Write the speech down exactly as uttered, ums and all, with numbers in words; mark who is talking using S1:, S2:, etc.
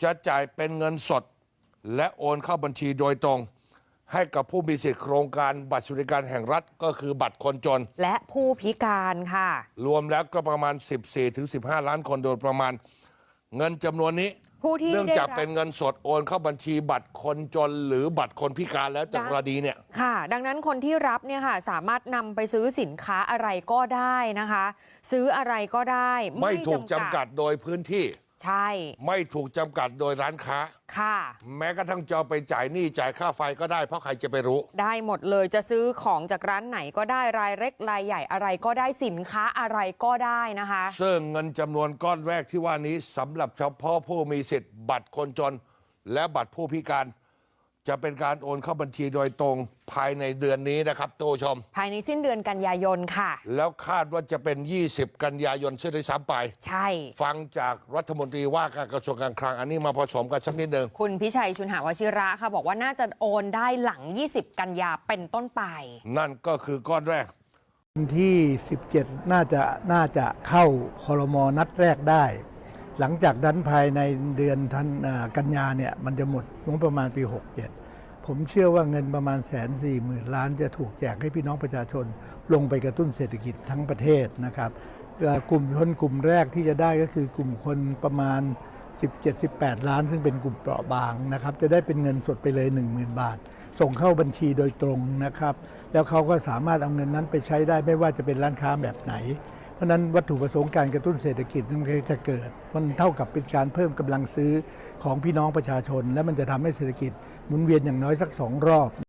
S1: จะจ่ายเป็นเงินสดและโอนเข้าบัญชีโดยตรงให้กับผู้มีสิทธิโครงการบัตรสวัสดิการแห่งรัฐก็คือบัตรคนจน
S2: และผู้พิการค่ะ
S1: รวมแล้วก็ประมาณ สิบสี่ถึงสิบห้า ล้านคนโดยประมาณเงินจำนวนนี้เนื่องจากเป็นเงินสดโอนเข้าบัญชีบัตรคนจนหรือบัตรคนพิการแล้วแต่กรณีเนี่ย
S2: ค่ะดังนั้นคนที่รับเนี่ยค่ะสามารถนำไปซื้อสินค้าอะไรก็ได้นะคะซื้ออะไรก็ได้
S1: ไม่ถูกจำกัดโดยพื้นที่
S2: ใช่
S1: ไม่ถูกจำกัดโดยร้านค้า
S2: ค่ะ
S1: แม้กระทั่งจะไปจ่ายหนี้จ่ายค่าไฟก็ได้เพราะใครจะไปรู้
S2: ได้หมดเลยจะซื้อของจากร้านไหนก็ได้รายเล็กรายใหญ่อะไรก็ได้สินค้าอะไรก็ได้นะคะ
S1: ซึ่งเงินจำนวนก้อนแรกที่ว่านี้สำหรับเฉพาะผู้มีสิทธิ์บัตรคนจนและบัตรผู้พิการจะเป็นการโอนเข้าบัญชีโดยตรงภายในเดือนนี้นะครับท่านผู้ชม
S2: ภายในสิ้นเดือนกันยายนค่ะ
S1: แล้วคาดว่าจะเป็นยี่สิบกันยายนเช่นด้วยซ้ำไป
S2: ใช่
S1: ฟังจากรัฐมนตรีว่าการกระทรวงการคลังอันนี้มาผสมกันสักนิดหนึ่ง
S2: คุณพิชัยชุนหวชิระค่ะบอกว่าน่าจะโอนได้หลังยี่สิบกันยาเป็นต้นไป
S1: นั่นก็คือก้อนแรก
S3: วันที่สิบเจ็ดน่าจะน่าจะเข้าครม.นัดแรกได้หลังจากนั้นภายในเดือนธันกันยาเนี่ยมันจะหมดงบประมาณปีหกเจ็ดผมเชื่อว่าเงินประมาณแสนสี่หมื่นล้านจะถูกแจกให้พี่น้องประชาชนลงไปกระตุ้นเศรษฐกิจทั้งประเทศนะครับกลุ่มคนกลุ่มแรกที่จะได้ก็คือกลุ่มคนประมาณ สิบเจ็ด สิบแปด ล้านซึ่งเป็นกลุ่มเปราะบางนะครับจะได้เป็นเงินสดไปเลย หนึ่งหมื่น บาทส่งเข้าบัญชีโดยตรงนะครับแล้วเขาก็สามารถเอาเงินนั้นไปใช้ได้ไม่ว่าจะเป็นร้านค้าแบบไหนเพราะนั้นวัตถุประสงค์การกระตุ้นเศรษฐกิจมันจะเกิดมันเท่ากับเป็นการเพิ่มกำลังซื้อของพี่น้องประชาชนและมันจะทำให้เศรษฐกิจหมุนเวียนอย่างน้อยสักสองรอบ